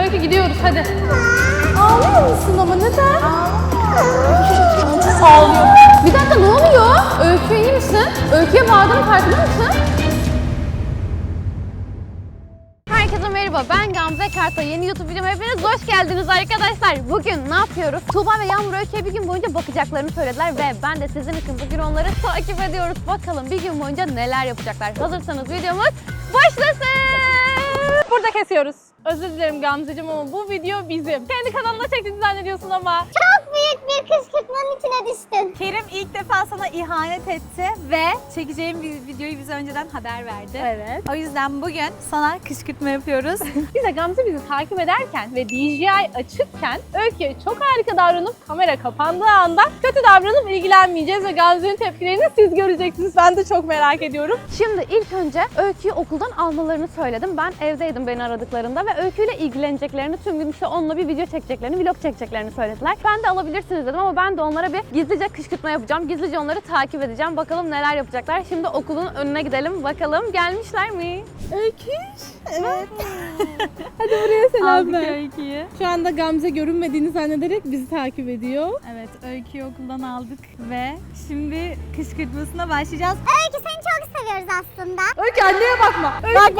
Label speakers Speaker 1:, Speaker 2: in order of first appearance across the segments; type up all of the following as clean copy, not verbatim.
Speaker 1: Öykü gidiyoruz hadi. Ağlıyor musun ama neden? Ağlıyor. Bir dakika ne oluyor? Öykü iyi misin? Öykü'ye bağırdığının farkında mısın? Herkese merhaba, ben Gamze Kartal. Yeni YouTube videoma hepiniz hoş geldiniz arkadaşlar. Bugün ne yapıyoruz? Tuğba ve Yağmur Öykü'ye bir gün boyunca bakacaklarını söylediler ve ben de sizin için bugün onları takip ediyoruz. Bakalım bir gün boyunca neler yapacaklar. Hazırsanız videomuz başlasın. Burada kesiyoruz. Özür dilerim Gamzeciğim ama bu video bizim. Kendi kanalına çektiğini zannediyorsun ama.
Speaker 2: Çok büyük bir kışkırtmanın içine düştün.
Speaker 3: Kerim ilk defa sana ihanet etti ve çekeceğim bir videoyu bize önceden haber verdi.
Speaker 1: Evet.
Speaker 3: O yüzden bugün sana kışkırtma yapıyoruz.
Speaker 1: Biz de Gamze bizi takip ederken ve DJI açıkken Öykü'ye çok harika davranıp kamera kapandığı anda kötü davranıp ilgilenmeyeceğiz ve Gamze'nin tepkilerini siz göreceksiniz. Ben de çok merak ediyorum. Şimdi ilk önce Öykü'yü okuldan almalarını söyledim. Ben evdeydim beni aradıklarında ve Öykü'yle ilgileneceklerini, tüm gün işte onunla bir video çekeceklerini, vlog çekeceklerini söylediler. Ben de alabilirsiniz dedim ama ben de onlara bir gizlice kışkırtma yapacağım. Gizlice onları takip edeceğim. Bakalım neler yapacaklar. Şimdi okulun önüne gidelim. Bakalım gelmişler mi?
Speaker 3: Öyküş. Evet.
Speaker 1: Hadi buraya selam
Speaker 3: Aldık
Speaker 1: ver.
Speaker 3: Öykü'yü.
Speaker 1: Şu anda Gamze görünmediğini zannederek bizi takip ediyor.
Speaker 3: Evet, Öykü'yü okuldan aldık ve şimdi kışkırtmasına başlayacağız.
Speaker 2: Öykü seni çok seviyoruz aslında.
Speaker 1: Öykü anneye bakma.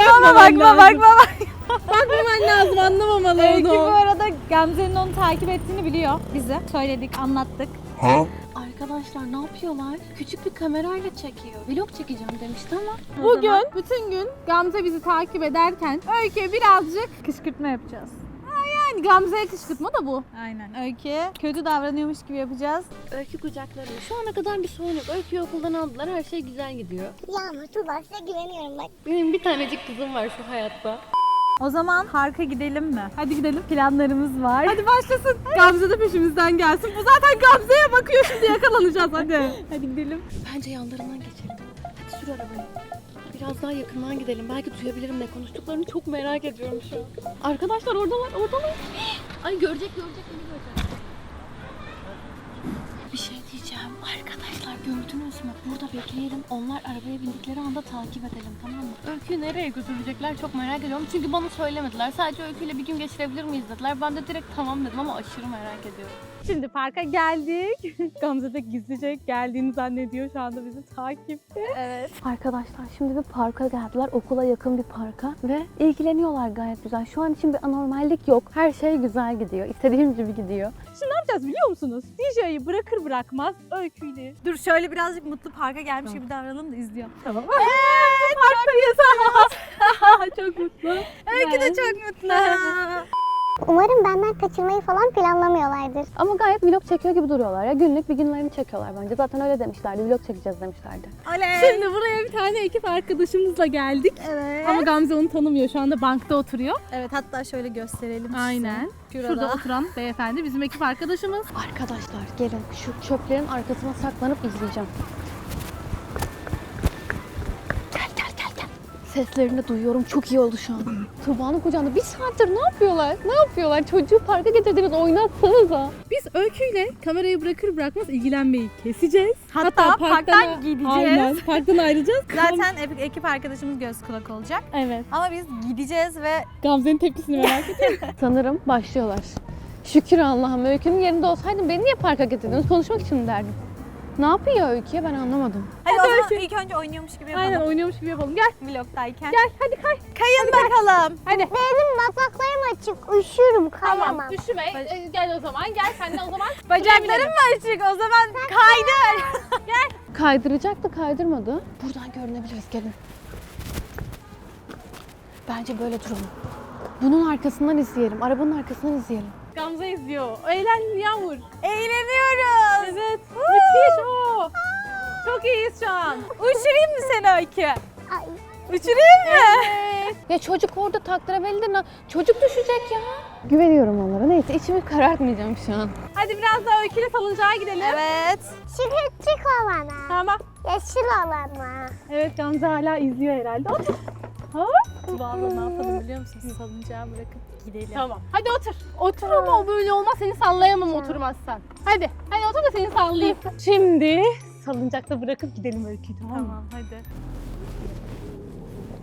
Speaker 3: Bakma.
Speaker 1: Bakmaman lazım, anlamamalı
Speaker 3: Öykü bu
Speaker 1: onu.
Speaker 3: arada Gamze'nin onu takip ettiğini biliyor bize. Söyledik, anlattık.
Speaker 4: Arkadaşlar ne yapıyorlar? Küçük bir kamerayla çekiyor. Vlog çekeceğim demişti ama.
Speaker 1: Bugün bütün gün Gamze bizi takip ederken Öykü'ye birazcık
Speaker 3: Kışkırtma yapacağız.
Speaker 1: yani Gamze'ye kışkırtma da bu.
Speaker 3: Aynen. Öykü'ye kötü davranıyormuş gibi yapacağız.
Speaker 4: Öykü kucaklarıyor. Şu ana kadar bir sorun yok. Öyküyü okuldan aldılar. Her şey güzel gidiyor.
Speaker 2: Yağmur, Tuğba size güveniyorum bak.
Speaker 4: Benim bir tanecik kızım var şu hayatta.
Speaker 3: O zaman parka gidelim mi? Hadi gidelim. Planlarımız var.
Speaker 1: Hadi başlasın. Gamze de peşimizden gelsin. Bu zaten Gamze'ye bakıyor, şimdi yakalanacağız hadi.
Speaker 3: Hadi gidelim.
Speaker 4: Bence yanlarından geçelim. Hadi sür arabayı. Biraz daha yakından gidelim. Belki duyabilirim ne konuştuklarını, çok merak ediyorum şu an. Arkadaşlar oradalar. Ay görecek beni görecek. Bir şey diyeceğim. Arkadaşlar gördünüz mü? Burada bekleyelim. Onlar arabaya bindikleri anda takip edelim, tamam mı? Öyküyü nereye götürecekler çok merak ediyorum. Çünkü bana söylemediler. Sadece Öyküyle bir gün geçirebilir miyiz dediler. Ben de direkt tamam dedim ama aşırı merak ediyorum.
Speaker 1: Şimdi parka geldik. Gamze de gizlice geldiğini zannediyor. Şu anda bizi takipte.
Speaker 3: Evet.
Speaker 4: Arkadaşlar şimdi bir parka geldiler. Okula yakın bir parka ve ilgileniyorlar gayet güzel. Şu an için bir anormallik yok. Her şey güzel gidiyor. İstediğim gibi gidiyor.
Speaker 1: Şimdi ne yapacağız biliyor musunuz? DJ'yi bırakır bırakmaz Öykü'yle.
Speaker 3: Dur şöyle birazcık mutlu parka gelmiş gibi davranalım da izliyorum.
Speaker 1: Tamam. Evet, parktayız. Çok mutlu.
Speaker 3: Öykü de çok mutlu.
Speaker 2: Umarım benden kaçırmayı falan planlamıyorlardır.
Speaker 4: Ama gayet vlog çekiyor gibi duruyorlar ya. Günlük bir günlerini çekiyorlar bence. Zaten öyle demişlerdi. Vlog çekeceğiz demişlerdi.
Speaker 3: Oley.
Speaker 1: Şimdi buraya bir tane ekip arkadaşımızla geldik.
Speaker 3: Evet.
Speaker 1: Ama Gamze onu tanımıyor. Şu anda bankta oturuyor.
Speaker 3: Evet, hatta şöyle gösterelim size.
Speaker 1: Aynen. Şurada oturan beyefendi bizim ekip arkadaşımız.
Speaker 4: Arkadaşlar gelin şu çöplerin arkasına saklanıp izleyeceğim. Gel. Seslerini duyuyorum. Çok iyi oldu şu an. Tuğba'nın kucağında bir saattir ne yapıyorlar? Ne yapıyorlar? Çocuğu parka getirdiniz, oynatsanıza.
Speaker 1: Biz Öykü'yle kamerayı bırakır bırakmaz ilgilenmeyi keseceğiz.
Speaker 3: Hatta parktan gideceğiz.
Speaker 1: Aynen. Parktan ayrılacağız.
Speaker 3: Zaten ekip arkadaşımız göz kulak olacak.
Speaker 1: Evet.
Speaker 3: Ama biz gideceğiz ve
Speaker 1: Gamze'nin tepkisini merak ediyorum.
Speaker 4: Sanırım başlıyorlar. Şükür Allah'ım. Öykünün yerinde olsaydım beni niye parka getirdiniz? Konuşmak için mi derdim? Ne yapıyor Öykü'ye ben anlamadım.
Speaker 3: hadi o zaman ilk önce oynuyormuş gibi yapalım.
Speaker 1: Aynen oynuyormuş gibi yapalım. Gel.
Speaker 3: Vlogdayken.
Speaker 1: Gel hadi kay.
Speaker 3: Kayın bakalım.
Speaker 1: Hadi.
Speaker 2: Benim bacaklarım açık, üşüyorum, kayamam.
Speaker 1: Tamam. Üşüme. Gel o zaman. Gel sen de o zaman.
Speaker 3: Bacaklarım mı açık? O zaman kaydır.
Speaker 4: Kaydıracaktı, kaydırmadı. Buradan görünebiliriz, gelin. Bence böyle duralım. Bunun arkasından izleyelim, arabanın arkasından izleyelim.
Speaker 1: Gamze izliyor. Eğlen Yağmur.
Speaker 3: Eğleniyoruz.
Speaker 1: Evet. Müthiş o. Çok iyiyiz şu an.
Speaker 3: Uçurayım mı seni Öykü?
Speaker 2: Ay,
Speaker 3: Uçurayım mı?
Speaker 4: Ya çocuk orada taktırabilir. Çocuk düşecek ya. Güveniyorum onlara. Neyse içimi karartmayacağım şu an.
Speaker 1: Hadi biraz daha Öykü'yle salıncağa gidelim.
Speaker 3: Evet.
Speaker 2: çık olana.
Speaker 1: Tamam.
Speaker 2: Yeşil olana.
Speaker 1: Evet Gamze hala izliyor herhalde. Otur. Ha?
Speaker 3: Vallahi ne yapalım biliyor musun? Salıncağı bırakıp gidelim.
Speaker 1: Tamam. Hadi otur. Otur ama o böyle olmaz. Seni sallayamam oturmazsan. Hadi. Hadi otur da seni sallayayım. Şimdi salıncakta bırakıp gidelim Öykü'yü, tamam mı?
Speaker 3: Tamam hadi.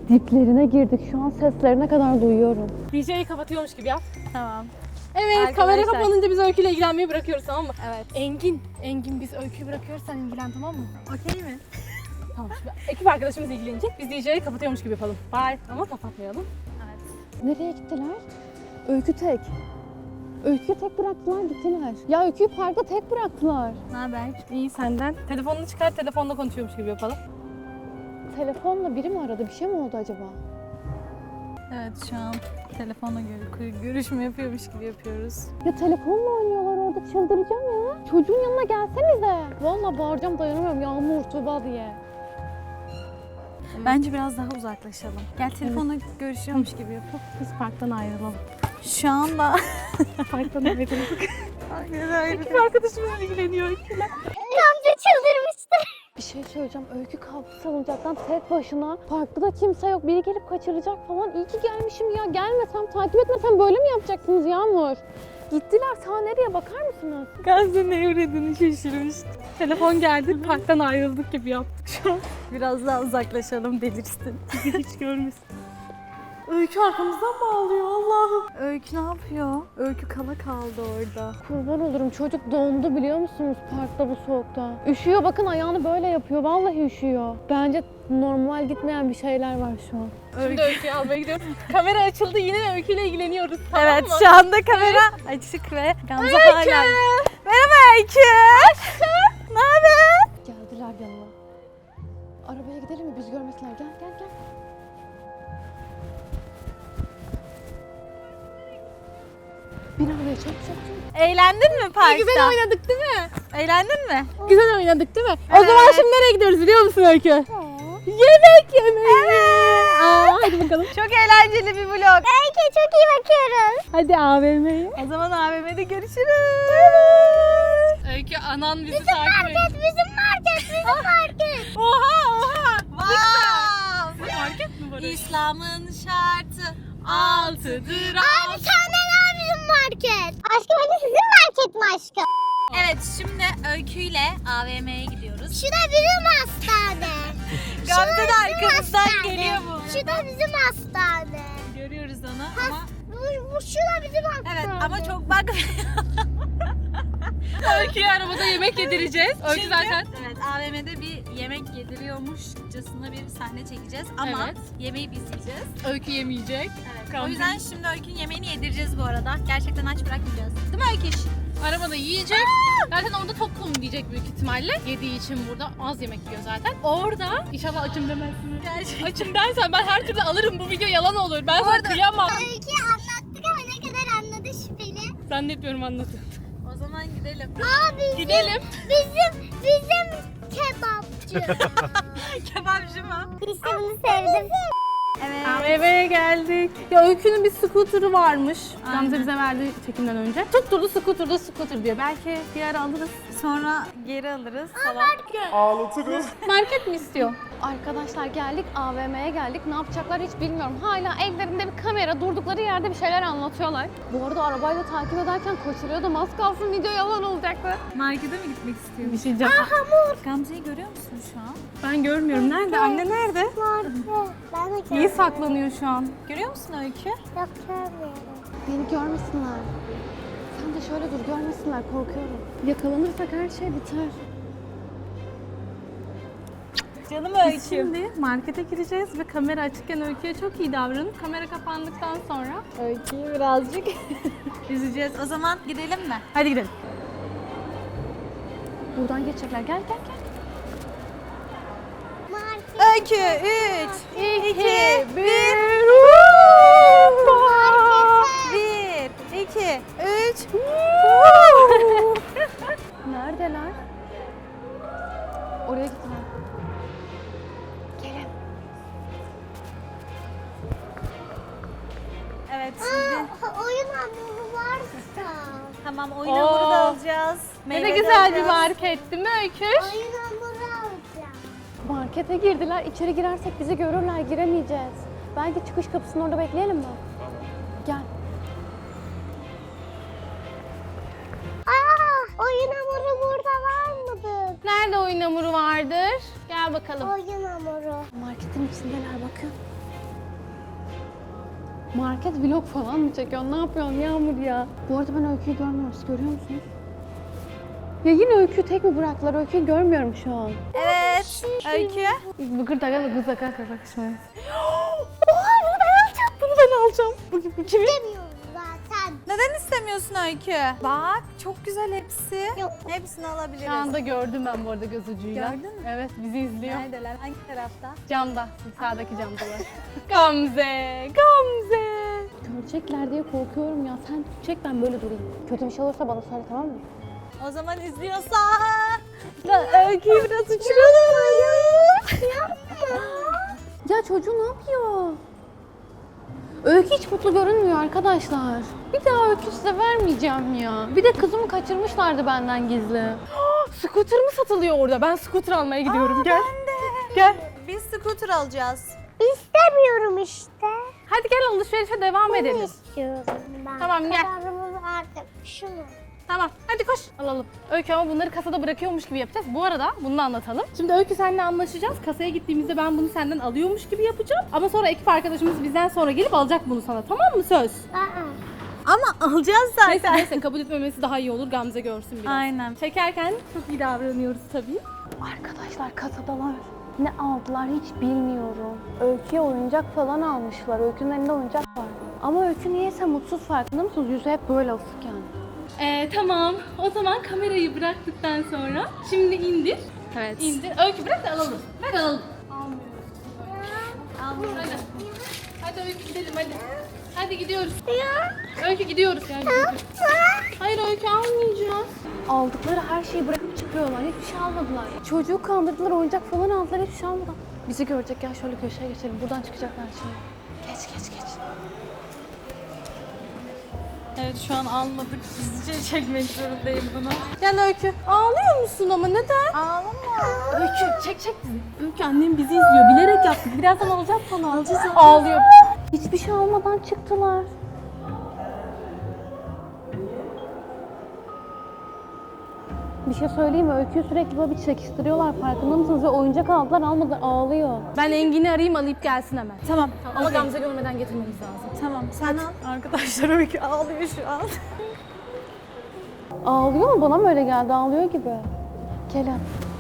Speaker 4: Diplerine girdik. Şu an seslerine kadar duyuyorum.
Speaker 1: DJ'yi kapatıyormuş gibi yap.
Speaker 3: Tamam.
Speaker 1: Evet,
Speaker 3: Arkadaşlar.
Speaker 1: kamera kapanınca biz Öykü'yle ilgilenmeyi bırakıyoruz, tamam mı?
Speaker 3: Evet.
Speaker 1: Engin biz Öykü'yü bırakıyoruz, sen ilgilen, tamam mı?
Speaker 3: Okey mi?
Speaker 1: Tamam, şimdi ekip arkadaşımız ilgilenecek, biz DJ'yi kapatıyormuş gibi yapalım. Bye. Ama kapatmayalım.
Speaker 3: Evet.
Speaker 4: Nereye gittiler? Öykü tek. Öyküyü tek bıraktılar, gittiler. Ya Öyküyü parkta tek bıraktılar.
Speaker 3: Ne haber?
Speaker 1: İyi senden. Telefonunu çıkar, telefonla konuşuyormuş gibi yapalım.
Speaker 4: Telefonla biri mi aradı? Bir şey mi oldu acaba?
Speaker 3: Evet, şu an telefonla görüşme yapıyormuş gibi yapıyoruz.
Speaker 4: Ya telefonla oynuyorlar orada, çıldıracağım ya. Çocuğun yanına gelsenize. Vallahi bağıracağım, dayanamıyorum. Yağmur, Tuğba diye.
Speaker 3: Bence biraz daha uzaklaşalım. Gel telefonla görüşüyormuş gibi yapalım.
Speaker 1: Biz parktan ayrılalım.
Speaker 3: Şu anda
Speaker 1: Parktan ayrılalım. Ekip arkadaşımız ilgileniyor Öykü'yle.
Speaker 2: Gamze çıldırmıştır.
Speaker 4: Bir şey söyleyeceğim. Öykü kalktı salıncaktan tek başına. Parkta da kimse yok. Biri gelip kaçıracak falan. İyi ki gelmişim ya. Gelmesem, takip etmesem böyle mi yapacaksınız Yağmur? Gittiler. Sağ nereye bakar mısınız?
Speaker 1: Gamze ne uğradığını şaşırmış. Telefon geldi, parktan ayrıldık gibi yaptık şu an.
Speaker 3: biraz daha uzaklaşalım, delirsin.
Speaker 1: Hiç görmesin. Öykü arkamızdan mı ağlıyor Allah'ım?
Speaker 3: Öykü ne yapıyor? Öykü kala kaldı orada.
Speaker 4: Kurban olurum. Çocuk dondu biliyor musunuz parkta bu soğukta. Üşüyor. Bakın ayağını böyle yapıyor. Vallahi üşüyor. Bence normal gitmeyen bir şeyler var şu an.
Speaker 1: Şimdi Öykü'yü almaya gidiyoruz. Kamera açıldı, yine de Öykü'yle ilgileniyoruz. Tamam
Speaker 3: Evet,
Speaker 1: mı?
Speaker 3: şu anda kamera açık ve Gamze hala. Merhaba Öykü. Ne haber?
Speaker 4: Geldiler yanıma. Arabaya gidelim mi? Biz görmesinler. Gel gel gel. Bin arabaya çabuk çabuk çabuk.
Speaker 3: Eğlendin mi parkta?
Speaker 1: Güzel oynadık değil mi?
Speaker 3: Eğlendin mi?
Speaker 1: Güzel oynadık değil mi? O
Speaker 3: Evet.
Speaker 1: zaman şimdi nereye gidiyoruz biliyor musun Öykü? Yemek yemeye. Aa, hadi bakalım.
Speaker 3: Çok eğlenceli bir vlog.
Speaker 2: Belki çok iyi bakıyoruz.
Speaker 1: Hadi AVM'ye.
Speaker 3: O zaman AVM'de görüşürüz.
Speaker 1: Öykü anan bizi takip ediyor.
Speaker 2: Bizim market, bizim market.
Speaker 1: Oha oha.
Speaker 3: Wow.
Speaker 1: Market mi var?
Speaker 3: İslam'ın şartı altıdır.
Speaker 2: Abi senden abi bizim market. Aşkım hadi sizin market mi aşkım?
Speaker 3: Evet, şimdi Öykü ile AVM'ye gidiyoruz.
Speaker 2: Şu da bizim hastane.
Speaker 3: Gamze de
Speaker 2: bizim
Speaker 3: arkamızdan
Speaker 2: hastane.
Speaker 3: geliyor bu.
Speaker 2: Şu da bizim hastane.
Speaker 3: Görüyoruz onu ama
Speaker 2: Bu şu da bizim hastane.
Speaker 3: evet ama çok bak.
Speaker 1: Öykü'ye arabada yemek yedireceğiz. Öykü
Speaker 3: Çünkü-
Speaker 1: zaten.
Speaker 3: Evet, AVM'de bir yemek yediriyormuşçasına bir sahne çekeceğiz ama
Speaker 1: Evet.
Speaker 3: yemeği biz yiyeceğiz.
Speaker 1: Öykü yemeyecek.
Speaker 3: Evet.
Speaker 1: Gamze-
Speaker 3: O yüzden şimdi Öykü'nün yemeğini yedireceğiz bu arada. Gerçekten aç bırakmayacağız. Değil mi Öykü?
Speaker 1: Arabada yiyecek. Zaten orada tokum diyecek büyük ihtimalle. Yediği için burada az yemek yiyor zaten. Orada inşallah açım demezsin.
Speaker 3: Gerçekten.
Speaker 1: Açım dersen ben her türlü alırım. Bu video yalan olur. Ben sana kıyamam.
Speaker 2: Öykü anlattık ama ne kadar anladı şüpheli.
Speaker 1: Zannetmiyorum anlatın.
Speaker 3: O zaman gidelim.
Speaker 2: Abi
Speaker 1: Gidelim.
Speaker 2: bizim kebapçı.
Speaker 3: Kebapçı mı?
Speaker 2: işte bunu sevdim.
Speaker 3: Evet.
Speaker 1: Eve geldik. Ya Öykü'nün bir scooter'ı varmış.
Speaker 3: Aynen.
Speaker 1: Gamze bize verdi çekimden önce. Tutturdu scooter diyor. Belki bir ara alırız.
Speaker 3: Sonra geri alırız falan.
Speaker 1: Market mi istiyor?
Speaker 4: Arkadaşlar geldik, AVM'ye geldik. Ne yapacaklar hiç bilmiyorum. Hala ellerinde bir kamera, durdukları yerde bir şeyler anlatıyorlar. Bu arada arabayla takip ederken koşturuyordum. Az kalsın video yalan olacaktı.
Speaker 3: Markete mi gitmek istiyorsun?
Speaker 1: Bir şey diyeceğim.
Speaker 3: Gamze'yi görüyor musun şu an?
Speaker 1: Ben görmüyorum. Nerede? Anne nerede?
Speaker 2: Ben de
Speaker 1: İyi
Speaker 2: görmüyorum.
Speaker 1: saklanıyor şu an.
Speaker 3: Görüyor musun Öykü?
Speaker 2: Yok görmüyorum.
Speaker 4: Beni görmesinler. Sen de şöyle dur, görmesinler. Korkuyorum. Yakalanırsak her şey biter.
Speaker 3: Canım
Speaker 1: Biz şimdi markete gireceğiz ve kamera açıkken Öykü'ye çok iyi davranıp kamera kapandıktan sonra
Speaker 3: Öykü'yü birazcık üzeceğiz. O zaman gidelim mi?
Speaker 1: hadi gidelim.
Speaker 4: Buradan geçecekler. Gel gel gel.
Speaker 2: Market.
Speaker 3: Öykü 3, 2, 1. 1, 2, 3.
Speaker 4: Neredeler? Oraya gittiler.
Speaker 3: Evet şimdi.
Speaker 2: Oyun hamuru varsa.
Speaker 3: Tamam, oyun hamuru da alacağız.
Speaker 1: Ne de
Speaker 3: meyve de
Speaker 1: güzel bir
Speaker 3: alacağız.
Speaker 1: market değil mi Öykü?
Speaker 2: Oyun hamuru alacağım.
Speaker 4: Markete girdiler. İçeri girersek bizi görürler. Giremeyeceğiz. Belki çıkış kapısının orada bekleyelim mi? Gel.
Speaker 2: Oyun hamuru burada var mıdır?
Speaker 1: Nerede oyun hamuru vardır? Gel bakalım.
Speaker 2: Oyun hamuru.
Speaker 4: Marketin içindeler bakın.
Speaker 3: Market vlog falan mı çekiyorsun? Ne yapıyorsun Yağmur ya? Bu arada ben Öykü'yü görmüyorum. Siz görüyor musunuz? Ya yine Öykü'yü tek mi bıraktılar? Öykü'yü görmüyorum şu an.
Speaker 5: Evet. Öykü.
Speaker 3: Bıkır takar kız takar kakışmayız. Oha bunu ben alacağım. Bunu ben alacağım. Bu kimin?
Speaker 2: İstemiyorum zaten.
Speaker 5: Neden istemiyorsun Öykü? Bak çok güzel hepsi.
Speaker 2: Yok.
Speaker 5: Hepsini alabiliriz.
Speaker 3: Şu anda gördüm ben bu arada göz ucuyla.
Speaker 5: Gördün mü?
Speaker 3: Evet bizi izliyor.
Speaker 5: Neredeler? Hangi tarafta?
Speaker 3: Camda. Sağdaki camdalar. Gamze. Gamze. Görecekler diye korkuyorum ya. Sen çek ben böyle durayım. Kötü bir şey olursa bana söyle tamam mı?
Speaker 5: O zaman izliyorsa.
Speaker 3: Öykü'yü biraz uçuralım. Ya çocuğu ne yapıyor? Öykü hiç mutlu görünmüyor arkadaşlar. Bir daha Öykü size vermeyeceğim ya. Bir de kızımı kaçırmışlardı benden gizli. Scooter mı satılıyor orada? Ben scooter almaya gidiyorum. Gel.
Speaker 5: Ben de.
Speaker 3: Gel.
Speaker 5: Biz scooter alacağız.
Speaker 2: İstemiyorum işte.
Speaker 3: Hadi gel alışverişe devam edelim.
Speaker 2: İstiyorum ben.
Speaker 3: Tamam, gel.
Speaker 2: Kararımı verdim. Şunu.
Speaker 3: Tamam hadi koş. Alalım. Öykü ama bunları kasada bırakıyormuş gibi yapacağız. Bu arada bunu da anlatalım. Şimdi Öykü seninle anlaşacağız. Kasaya gittiğimizde ben bunu senden alıyormuş gibi yapacağım. Ama sonra ekip arkadaşımız bizden sonra gelip alacak bunu sana. Tamam mı söz?
Speaker 5: Ama alacağız zaten.
Speaker 3: Neyse neyse kabul etmemesi daha iyi olur. Gamze görsün biraz.
Speaker 5: Aynen.
Speaker 3: Çekerken çok iyi davranıyoruz tabii. Arkadaşlar kasadalar. Ne aldılar hiç bilmiyorum. Öykü'ye oyuncak falan almışlar. Öykü'nün elinde oyuncak var. Ama Öykü niyeyse mutsuz farkında mısınız? Yüzü hep böyle asık yani.
Speaker 1: Tamam. O zaman kamerayı bıraktıktan sonra şimdi indir.
Speaker 3: Evet.
Speaker 1: İndir. Öykü bırak da alalım. Ver alalım. Almıyoruz. Hadi. Hadi Öykü gidelim hadi. Hadi gidiyoruz. Öykü gidiyoruz yani. Hayır Öykü almayacağız.
Speaker 3: Aldıkları her şeyi bırakıp çıkıyorlar. Hiçbir şey almadılar. Çocuğu kandırdılar, oyuncak falan aldılar. Hiçbir şey almadan. Bizi görecek. Gel şöyle köşeye geçelim. Buradan çıkacaklar şimdi. Geç geç geç.
Speaker 5: Evet şu an almadık. Gizlice çekmek zorundayım bunu.
Speaker 3: Gel Öykü. Ağlıyor musun ama neden?
Speaker 5: Ağlama.
Speaker 3: Öykü çek bizi. Öykü annem bizi izliyor. Bilerek yaptık. Birazdan alacağız sana. Alacağız. Ağlıyor. Hiçbir şey almadan çıktılar. Bir şey söyleyeyim mi? Öyküyü sürekli böyle bir çekiştiriyorlar. Farkında mısınız? Ve oyuncak aldılar almadılar. Ağlıyor. Ben Engin'i arayayım alıp gelsin hemen.
Speaker 5: Tamam.
Speaker 3: Ama Gamze görmeden getirmemiz lazım.
Speaker 5: Tamam sen al. Arkadaşlar Öykü ağlıyor şu an.
Speaker 3: Ağlıyor mu? Bana mı öyle geldi? Ağlıyor gibi. Gel.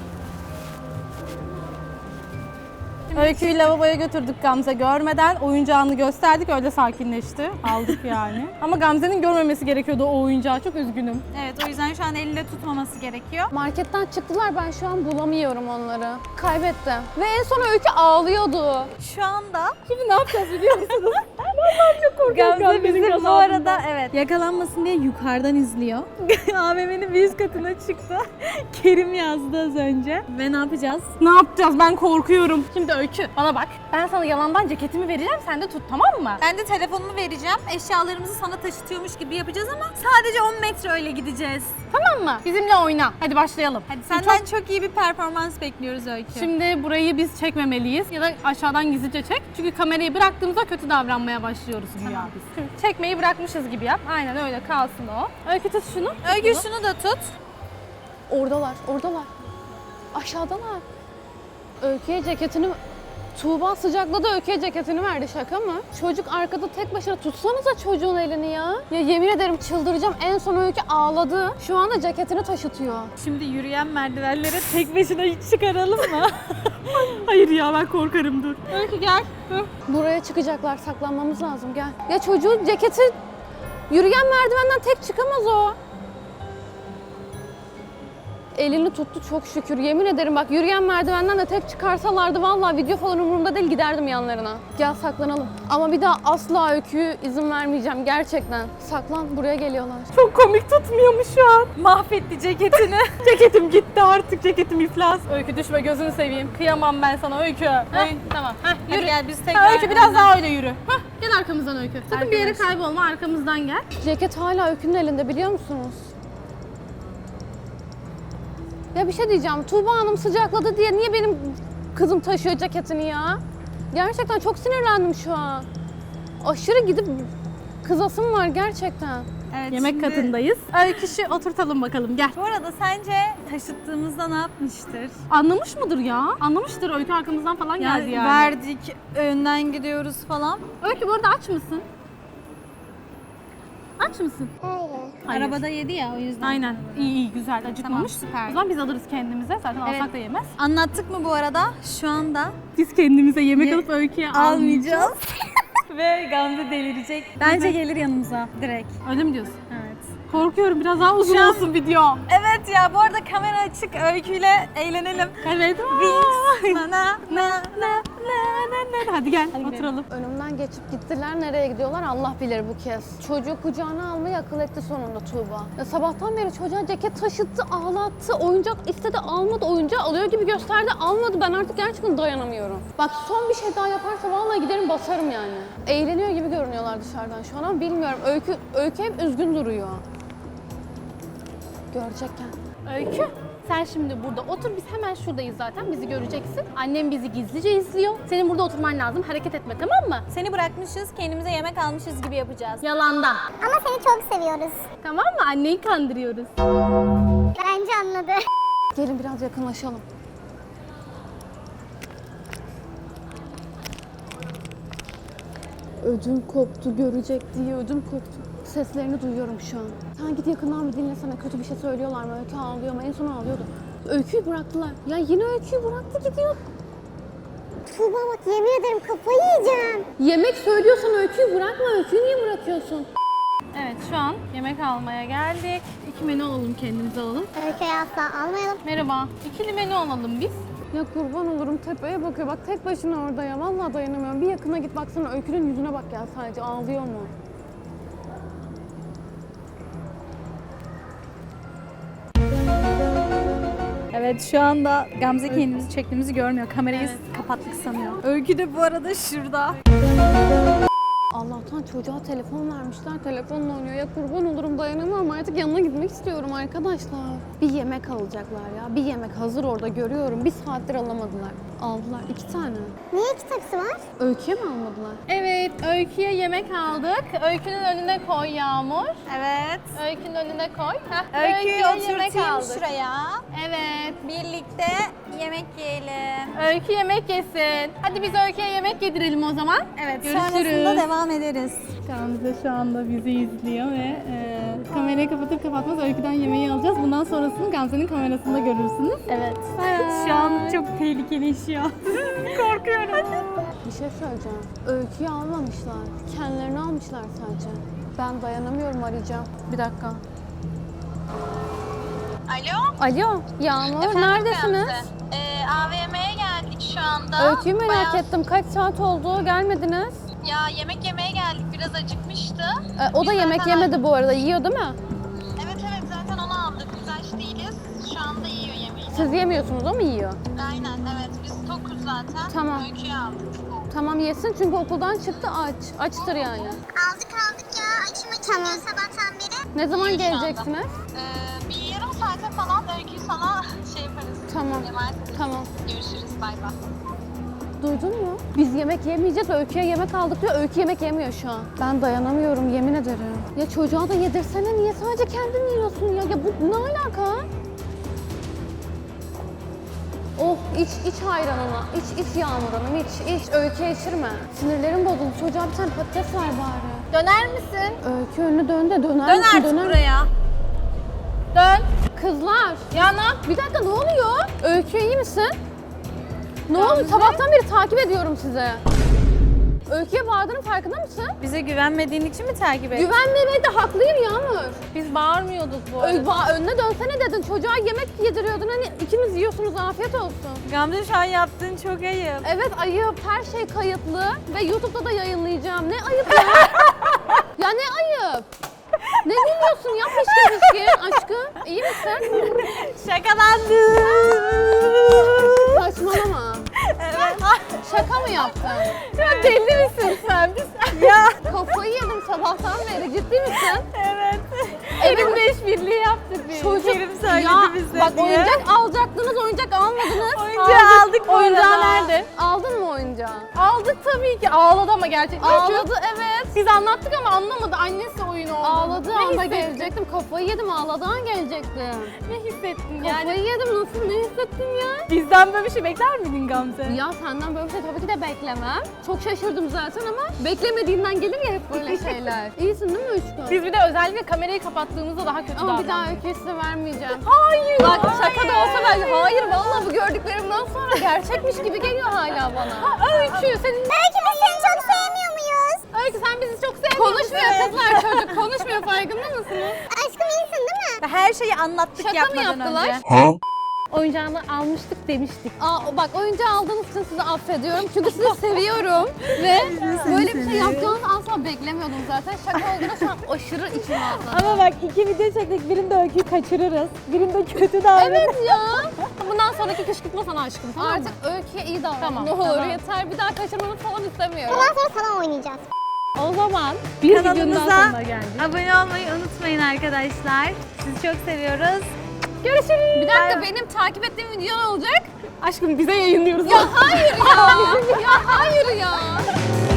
Speaker 1: Öykü'yü lavaboya götürdük Gamze görmeden. Oyuncağını gösterdik öyle sakinleşti. Aldık yani. Ama Gamze'nin görmemesi gerekiyordu o oyuncağı. Çok üzgünüm.
Speaker 5: Evet o yüzden şu an elinde tutmaması gerekiyor.
Speaker 3: Marketten çıktılar. Ben şu an bulamıyorum onları. Kaybettim. Ve en son Öykü ağlıyordu.
Speaker 5: Şu anda
Speaker 1: Şimdi ne yapacağız biliyor musunuz?
Speaker 5: Gamze bizi bu arada evet yakalanmasın diye yukarıdan izliyor. AVM'nin bir üst katına çıktı. Kerim yazdı az önce. Ve ne yapacağız?
Speaker 1: Ne yapacağız? Ben korkuyorum. Şimdi Öykü bana bak. Ben sana yalandan ceketimi vereceğim. Sen de tut tamam mı?
Speaker 5: Ben de telefonumu vereceğim. Eşyalarımızı sana taşıtıyormuş gibi yapacağız ama sadece 10 metre öyle gideceğiz.
Speaker 1: Tamam mı? Bizimle oyna. Hadi başlayalım.
Speaker 5: Hadi senden çok iyi bir performans bekliyoruz Öykü.
Speaker 1: Şimdi burayı biz çekmemeliyiz ya da aşağıdan gizlice çek. Çünkü kamerayı bıraktığımızda kötü davranmaya başlıyoruz güya biz. Şimdi çekmeyi bırakmışız gibi yap. Aynen öyle kalsın o. Öykü tut şunu.
Speaker 5: Öykü şunu da tut.
Speaker 3: Oradalar. Aşağıdalar. Öykü'ye ceketini... Tuğba sıcakladı Öykü'ye ceketini verdi. Şaka mı? Çocuk arkada tek başına tutsanıza çocuğun elini ya. Ya yemin ederim çıldıracağım. En son Öykü ağladı. Şu anda ceketini taşıtıyor.
Speaker 5: Şimdi yürüyen merdivenlere tek başına hiç çıkaralım mı?
Speaker 1: Hayır ya ben korkarım dur. Öykü gel.
Speaker 3: Buraya çıkacaklar. Saklanmamız lazım. Gel. Ya çocuğun ceketi yürüyen merdivenden tek çıkamaz o. Elini tuttu çok şükür. Yemin ederim bak yürüyen merdivenden de tek çıkarsalardı vallahi video falan umurumda değil giderdim yanlarına. Gel saklanalım. Ama bir daha asla Öykü'yü izin vermeyeceğim gerçekten. Saklan buraya geliyorlar.
Speaker 1: Çok komik tutmuyormuş şu an.
Speaker 5: Mahvetti ceketini.
Speaker 1: Ceketim gitti artık ceketim iflas. Öykü düşme gözünü seveyim. Kıyamam ben sana Öykü. Tamam.
Speaker 5: Hadi
Speaker 1: Yürü.
Speaker 5: gel biz tekrar.
Speaker 1: Öykü biraz daha öyle yürü. Gel arkamızdan Öykü. Sakın bir yere
Speaker 5: Arkadaşlar.
Speaker 1: kaybolma arkamızdan gel.
Speaker 3: Ceket hala Öykü'nün elinde biliyor musunuz? Ya bir şey diyeceğim. Tuğba Hanım sıcakladı diye niye benim kızım taşıyor ceketini ya? Gerçekten çok sinirlendim şu an. Aşırı gidip kızasım var gerçekten.
Speaker 5: Evet,
Speaker 1: Yemek
Speaker 5: şimdi-
Speaker 1: katındayız. Öyküşü oturtalım bakalım gel.
Speaker 5: Bu arada sence taşıttığımızda ne yapmıştır?
Speaker 1: Anlamış mıdır ya? Anlamıştır Öykü arkamızdan falan geldi yani.
Speaker 5: Verdik, önden gidiyoruz falan.
Speaker 1: Öykü bu arada aç mısın? aç mısın?
Speaker 2: Hayır.
Speaker 1: Hayır.
Speaker 5: Arabada yedi ya o yüzden.
Speaker 1: Aynen. İyi güzel acıkmamış.
Speaker 5: Tamam, süper.
Speaker 1: O zaman biz alırız kendimize. Zaten alsak da yemez.
Speaker 5: Anlattık mı bu arada? Şu anda
Speaker 1: Biz kendimize yemek alıp Öykü'ye
Speaker 5: almayacağız. Ve Gamze delirecek. Bence gelir yanımıza direkt.
Speaker 1: Öyle mi diyorsun?
Speaker 5: Evet.
Speaker 1: Korkuyorum biraz daha uzun
Speaker 5: Şu an-
Speaker 1: olsun video.
Speaker 5: Evet ya bu arada kamera açık, Öykü'yle eğlenelim.
Speaker 1: Evet.
Speaker 5: Wings. Na na na na.
Speaker 1: Hadi gel oturalım.
Speaker 3: Önümden geçip gittiler. Nereye gidiyorlar Allah bilir bu kez. Çocuğu kucağına almayı akıl etti sonunda Tuğba. Ya sabahtan beri çocuğa ceket taşıttı, ağlattı, oyuncak istedi almadı, oyuncağı alıyor gibi gösterdi almadı. Ben artık gerçekten dayanamıyorum. Bak son bir şey daha yaparsa vallahi giderim basarım yani. Eğleniyor gibi görünüyorlar dışarıdan şu an ama bilmiyorum. Öykü hep üzgün duruyor. Görecekken.
Speaker 1: Öykü, sen şimdi burada otur. Biz hemen şuradayız zaten. Bizi göreceksin. Annem bizi gizlice izliyor. Senin burada oturman lazım. Hareket etme, tamam mı?
Speaker 5: Seni bırakmışız, kendimize yemek almışız gibi yapacağız.
Speaker 1: Yalandan.
Speaker 2: Ama seni çok seviyoruz.
Speaker 1: Tamam mı? Anneyi kandırıyoruz.
Speaker 2: Bence anladı.
Speaker 3: Gelin biraz yakınlaşalım. Ödüm koptu, görecek diye ödüm koptu. Seslerini duyuyorum şu an. Sen git yakından bir dinlesene, kötü bir şey söylüyorlar mı? Öykü ağlıyor mu? En son ağlıyordu. Öyküyü bıraktılar. Ya yine Öyküyü bıraktı gidiyor.
Speaker 2: Tuğba bak yemin ederim kafayı yiyeceğim.
Speaker 3: Yemek söylüyorsan Öyküyü bırakma. Öyküyü niye bırakıyorsun?
Speaker 1: Evet, şu an yemek almaya geldik. 2 menü alalım, kendimize alalım.
Speaker 2: Öyküyü asla almayalım.
Speaker 1: Merhaba. 2'li menü alalım biz.
Speaker 3: Ya kurban olurum tepeye bakıyor. Bak tek başına orada ya. Vallahi dayanamıyorum. Bir yakına git baksana Öykü'nün yüzüne bak ya sadece. Ağlıyor mu?
Speaker 5: Evet şu anda Gamze kendimizi çektiğimizi görmüyor. Kamerayı kapattık sanıyor. Öykü de bu arada şurada.
Speaker 3: Allah'tan çocuğa telefon vermişler. Telefonla oynuyor. Ya kurban olurum dayanamam. Artık yanına gitmek istiyorum arkadaşlar. Bir yemek alacaklar ya. Bir yemek hazır orada görüyorum. Bir saattir alamadılar. Aldılar. 2 tane.
Speaker 2: Niye iki tepsi var?
Speaker 3: Öyküye mi almadılar?
Speaker 1: Evet, Öykü'ye yemek aldık. Öykü'nün önüne koy Yağmur.
Speaker 5: Evet.
Speaker 1: Öykü'nün önüne koy. Heh,
Speaker 5: Öyküyü
Speaker 1: yemek
Speaker 5: oturtayım
Speaker 1: aldık.
Speaker 5: şuraya.
Speaker 1: Evet.
Speaker 5: Birlikte yemek yiyelim.
Speaker 1: Öykü yemek yesin. Hadi biz Öykü'ye yemek yedirelim o zaman.
Speaker 5: Evet
Speaker 1: Görüşürüz.
Speaker 5: sonrasında devam ederiz.
Speaker 1: Gamze şu anda bizi izliyor ve kamerayı kapatır kapatmaz Öykü'den yemeği alacağız. Bundan sonrasını Gamze'nin kamerasında görürsünüz. Evet.
Speaker 5: Şu an çok tehlikeli işiyor. Korkuyorum.
Speaker 3: Bir şey söyleyeceğim. Öyküyü almamışlar. Kendilerini almışlar sadece. Ben dayanamıyorum arayacağım. Bir dakika.
Speaker 6: Alo.
Speaker 3: Alo Yağmur
Speaker 6: Efendim
Speaker 3: neredesiniz?
Speaker 6: Gamze? AVM'ye geldik şu anda.
Speaker 3: Öyküyü merak ettim. Kaç saat oldu? Gelmediniz.
Speaker 6: Ya yemek yemeye geldik. Biraz acıkmıştı.
Speaker 3: O da
Speaker 6: Biz
Speaker 3: yemek
Speaker 6: zaten-
Speaker 3: yemedi bu arada. Yiyor değil mi?
Speaker 6: Evet zaten onu aldık. Biz aç değiliz. Şu anda yiyor yemeğini.
Speaker 3: Siz yemiyorsunuz o mu yiyor?
Speaker 6: Aynen evet. Biz tokuz zaten.
Speaker 3: Tamam.
Speaker 6: Öyküyü aldık.
Speaker 3: Tamam yesin çünkü okuldan çıktı aç. Açtır yani.
Speaker 2: Aldık ya. Açım açım sabahtan beri.
Speaker 3: Ne zaman
Speaker 6: İyi şu anda.
Speaker 3: geleceksiniz?
Speaker 6: Bir yarım saate falan Öyküyü sana şey yaparız.
Speaker 3: Tamam.
Speaker 6: Emanet ederiz.
Speaker 3: Tamam.
Speaker 6: Görüşürüz. Bay bay.
Speaker 3: Duydun mu? Biz yemek yemeyeceğiz. Öykü'ye yemek aldık diyor. Öykü yemek yemiyor şu an. Ben dayanamıyorum yemin ederim. Ya çocuğa da yedirsene. Niye sadece kendin yiyorsun ya? Ya bu ne alaka? Oh iç ayranını. İç Yağmur Hanım iç. Öyküye içirme. Sinirlerim bozuldu. Çocuğa bir tane patates ver bari.
Speaker 1: Döner misin?
Speaker 3: Öykü önünü dön de döner
Speaker 5: Dön
Speaker 3: misin?
Speaker 5: artık buraya.
Speaker 1: Dön.
Speaker 3: Kızlar.
Speaker 1: Yana.
Speaker 3: Bir dakika ne oluyor? Öykü iyi misin? Ne oluyor? Sabahtan beri takip ediyorum sizi. Öykü'ye bağırdığının farkında mısın?
Speaker 5: Bize güvenmediğin için mi takip ettin?
Speaker 3: Güvenmemeye de haklıyım Yağmur.
Speaker 1: Biz bağırmıyorduk bu arada.
Speaker 3: Önüne dönsene dedin. Çocuğa yemek yediriyordun. Hani ikiniz yiyorsunuz afiyet olsun.
Speaker 5: Gamze şu an yaptığın çok ayıp.
Speaker 3: Evet ayıp. Her şey kayıtlı. Ve YouTube'da da yayınlayacağım. Ne ayıp ya? Ya ne ayıp? Ne dinliyorsun ya pişkin aşkım? İyi misin?
Speaker 5: Şakalandım.
Speaker 3: Saçmalama.
Speaker 5: Evet.
Speaker 3: Şaka mı yaptın?
Speaker 1: Ya deli misin sen?
Speaker 5: Ya.
Speaker 3: Kafayı yedim sabahtan beri. Ciddi misin?
Speaker 5: Evet.
Speaker 1: Elimle işbirliği yaptık biz.
Speaker 3: Çocuk
Speaker 5: söyledi
Speaker 3: ya,
Speaker 5: bize
Speaker 3: bak
Speaker 5: diye.
Speaker 3: oyuncak alacaktınız, oyuncak almadınız.
Speaker 5: Oyuncağı aldık bu
Speaker 1: Oyuncağı
Speaker 5: arada.
Speaker 1: nerede?
Speaker 3: Aldın mı oyuncağı?
Speaker 1: Aldık tabii ki. Ağladı ama gerçekten.
Speaker 3: Ağladı evet.
Speaker 1: Biz anlattık ama anlamadı. Annesi oyun oldu.
Speaker 3: Ağladı,
Speaker 1: Ve
Speaker 3: ağladı. anda gelecektim. Kafayı yedim, ağladan gelecektim.
Speaker 1: Ne hissettin
Speaker 3: Kafayı yedim, nasıl, ne hissettim ya?
Speaker 1: Bizden böyle bir şey bekler miydin Gamze?
Speaker 3: Ya senden böyle bir şey tabii ki de beklemem. Çok şaşırdım zaten ama beklemediğinden gelir ya hep böyle şeyler. İyisin değil mi Uçkun?
Speaker 1: Biz bir de özellikle kamerayı kapattığımızda daha kötü
Speaker 3: Ama bir daha
Speaker 1: davrandık.
Speaker 3: öyküyü size vermeyeceğim.
Speaker 1: Hayır.
Speaker 3: Bak şaka da olsa ben hayır vallahi bu gördüklerimden sonra gerçekmiş gibi geliyor hala bana.
Speaker 1: Öykü senin...
Speaker 2: Belki biz seni çok sevmiyor muyuz?
Speaker 1: Öykü sen bizi çok sevmiyor
Speaker 3: Konuşmuyor kızlar, çocuk konuşmuyor, farkında mısınız?
Speaker 2: Aşkım iyisin değil mi?
Speaker 5: Her şeyi anlattık
Speaker 3: Şaka mı
Speaker 5: yapmadan
Speaker 3: yaptılar?
Speaker 5: önce.
Speaker 1: Oyuncağını almıştık demiştik.
Speaker 3: Bak oyuncağı aldığınız için sizi affediyorum çünkü sizi seviyorum ve böyle bir şey yapacağınızı asla beklemiyordum zaten. Şaka olduğuna şu an aşırı içim ağzına.
Speaker 5: Ama bak 2 video çektik. Birinde öyküyü kaçırırız. Birinde kötü davranırız.
Speaker 3: Evet ya.
Speaker 1: Bundan sonraki kışkırtma sana aşkım, tamam mı?
Speaker 3: Artık öyküye iyi davran.
Speaker 1: Tamam,
Speaker 3: Ne olur
Speaker 1: tamam.
Speaker 3: yeter, bir daha kaçırmanı falan istemiyorum.
Speaker 2: Bundan sonra sana oynayacağız.
Speaker 1: O zaman bir videonun daha
Speaker 5: Kanalımıza
Speaker 1: sonuna geldik.
Speaker 5: abone olmayı unutmayın arkadaşlar. Sizi çok seviyoruz.
Speaker 1: Görüşürüz.
Speaker 3: Bir dakika, benim takip ettiğim video ne olacak?
Speaker 1: Aşkım bize yayınlıyoruz.
Speaker 3: Ya hayır ya. Ya hayır ya.